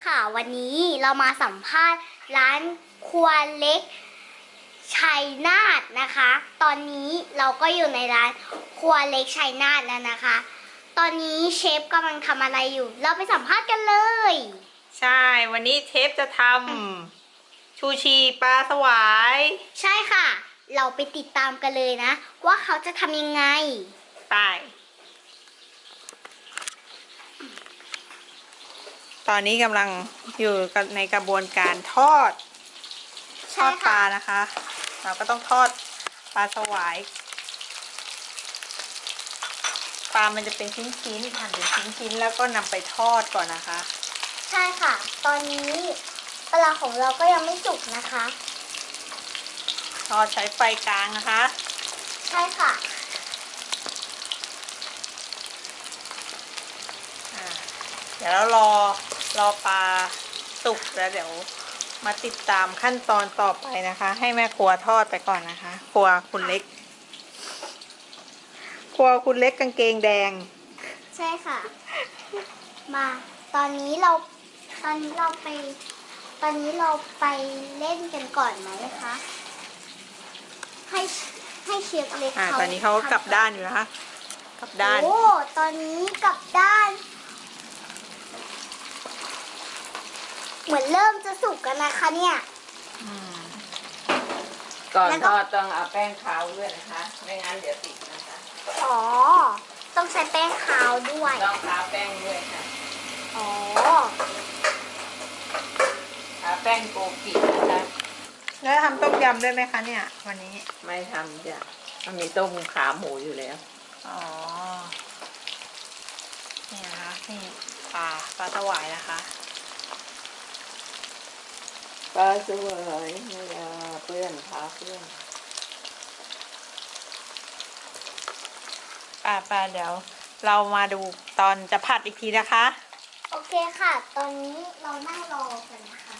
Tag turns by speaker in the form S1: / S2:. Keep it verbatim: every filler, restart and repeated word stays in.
S1: ค่ะวันนี้เรามาสัมภาษณ์ร้านครัวเล็กชัยนาทนะคะ ตอนนี้เราก็อยู่ในร้านครัวเล็กชัยนาทแล้วนะคะ ตอนนี้เชฟกำลังทำอะไรอยู่ เราไปสัมภาษณ์กันเลย
S2: ใช่วันนี้เชฟจะทำชูชีปลาสวาย
S1: ใช่ค่ะ เราไปติดตามกันเลยนะ ว่าเขาจะทำยังไง
S2: ไปตอนนี้กำลังอยู่ในกระบวนการทอดท
S1: ใช่
S2: อดป
S1: ค่ะ
S2: ลานะคะ เราก็ต้องทอดปลาสวายปลามันจะเป็นชิ้นๆหั่นเป็นชิ้นๆแล้วก็นำไปทอดก่อนนะคะ
S1: ใช่ค่ะ ตอนนี้ปลาของเราก็ยังไม่สุกนะคะ
S2: ทอดใช้ไฟกลางนะคะ
S1: ใช่ค่ะ
S2: อ่าเดี๋ยวเรารอรอปลาสุกแล้วเดี๋ยวมาติดตามขั้นตอนต่อไปนะคะ ให้แม่ครัวทอดไปก่อนนะคะ ครัวคุณเล็ก ครัวคุณเล็กกางเกงแดง
S1: ใช่ค่ะ มาตอนนี้เราตอนนี้เราไป ตอนนี้เราไปเล่นกันก่อนไหมคะ ให้ให้เชฟเล็ก
S2: อ่า
S1: เขา
S2: ตอนนี้เขากลับด้านอยู่นะคะกลับด้าน
S1: โอ้ตอนนี้กลับด้าน เหมือนเริ่มจะสุกกันนะคะเนี่ย
S2: อืม
S3: ก่อน
S1: แล้ว
S3: ท
S1: ก็
S3: อดต้องเอาแป้งขาวด้วยนะคะ ไม่งั้นเดี๋ยวติดนะคะ
S1: อ๋อ ต้องใช้แป้งขาวด้วย
S3: ต้องทาแป้งด้วยค่ะ
S1: อ๋อ
S3: ทาแป้งโกกินะคะ
S2: แล้วทำต้มยำด้วยไหมคะเนี่ย วันนี้
S3: ไม่ทำจ้ะมันมีต้มขาหมูอยู่แล้ว
S2: อ๋อ นี่นะคะนี่ปลาปลาสวายนะคะ
S3: ปลาสวยไม่เอาเพื่อนพาเพื่อน
S2: ป่าป่าเดี๋ยวเรามาดูตอนจะผัดอีกทีนะคะ
S1: โอเคค่ะ ตอนนี้เรานั่งรอกันนะคะ